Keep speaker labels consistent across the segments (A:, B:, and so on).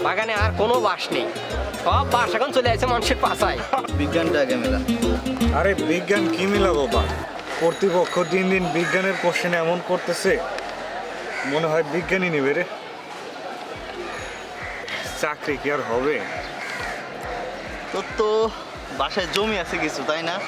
A: বাগানে আর কোনো বাস নেই, সব বাস এখন চলে আসছে মানুষের পাশায়।
B: বিজ্ঞানটা আগে মেলা।
C: আরে বিজ্ঞান কি মিলাবো বা, কর্তৃপক্ষ দিন দিন বিজ্ঞানের কোশ্চেন এমন করতেছে মনে হয় বিজ্ঞানই নেবে রে। চাকরি কি আর হবে?
B: তোর তো বাসায় জমি আছে কিছু, তাই না?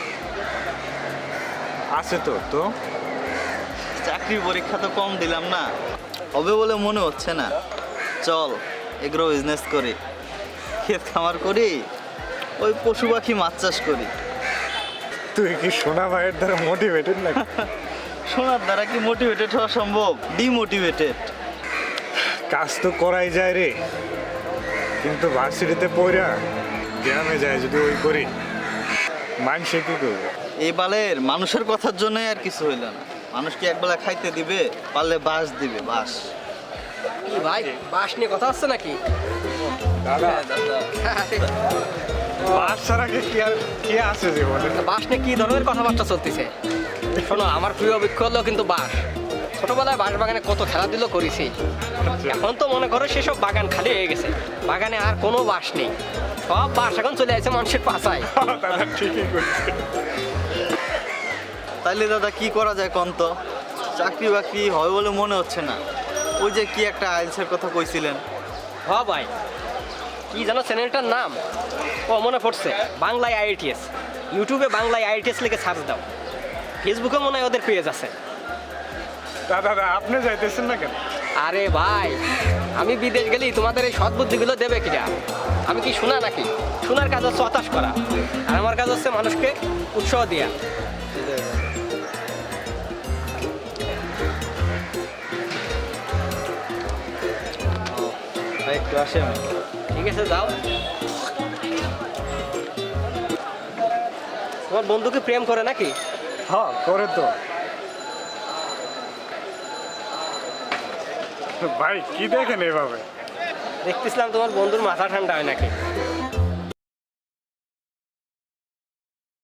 C: আছে তো তো
B: চাকরির পরীক্ষা তো কম দিলাম না, হবে বলে মনে হচ্ছে না। চল এগ্রো বিজনেস করি, ক্ষেত খামার করি, ওই পশু পাখি মাছ চাষ করি।
C: তুই কি সোনা ভাইয়ের দ্বারা মোটিভেটেড নাকি?
B: শোনার দ্বারা কি মোটিভেটেড হওয়া সম্ভব? ডিমোটিভেটেড।
C: কাজ তো করাই যায় রে, কিন্তু ভার্সিটিতে পড়া গ্রামে যায় যদি ওই করি, মানুষে কি করবে?
B: এই বালের মানুষের কথার জন্যই আর কিছু হইল না। মানুষ কি একবেলা খাইতে দিবে? পারলে বাস দিবে, বাস।
A: কি ভাই, বাস নিয়ে কথা হচ্ছে নাকি?
C: দাদা বাস ছাড়া কি আছে জীবনে?
A: বাস নিয়ে কি ধরনের কথাবার্তা চলতেছে? শোনো, আমার প্রিয় বৃক্ষ হলো কিন্তু বাস। ছোটবেলায় বাঁশ বাগানে কত খেলাধুলো করেছি, এখন তো মনে করো সেসব বাগান খালি হয়ে গেছে, বাগানে আর কোনো বাস নেই, সব বাস এখন চলে আসছে মানুষের পাশায়।
C: দাদা ঠিকই করছে।
B: তাইলে দাদা কি করা যায় কোন তো? চাকরি বাকরি হয় বলে মনে হচ্ছে না। ওই যে কি একটা আইএলসের কথা কইছিলেন।
A: হ ভাই, কি জানো চ্যানেলটার নাম? ও মনে পড়ছে, বাংলায় আইআইটিএস। ইউটিউবে বাংলায় আইআইটিএস লিখে সার্চ দাও, ফেসবুকে মনে হয় ওদের পেজ আছে।
C: দাদা আপনি যাইতেছেন না কেন?
A: আরে ভাই, আমি বিদেশ গেলি তোমাদের এই সৎ বুদ্ধিগুলো দেবে কিনা? আমি কি শোনা নাকি? শোনার কাজ হচ্ছে হতাশ করা, আর আমার কাজ হচ্ছে মানুষকে উৎসাহ দেওয়া।
B: ভাই একটু আসেন।
A: ঠিক আছে, যাও। তোমার বন্ধুকে প্রেম করে নাকি?
C: হ্যাঁ করে তো। ভাই কি দেখেন এভাবে?
A: দেখতেছিলাম তোমার বন্ধুর মাথা ঠান্ডা হয় নাকি।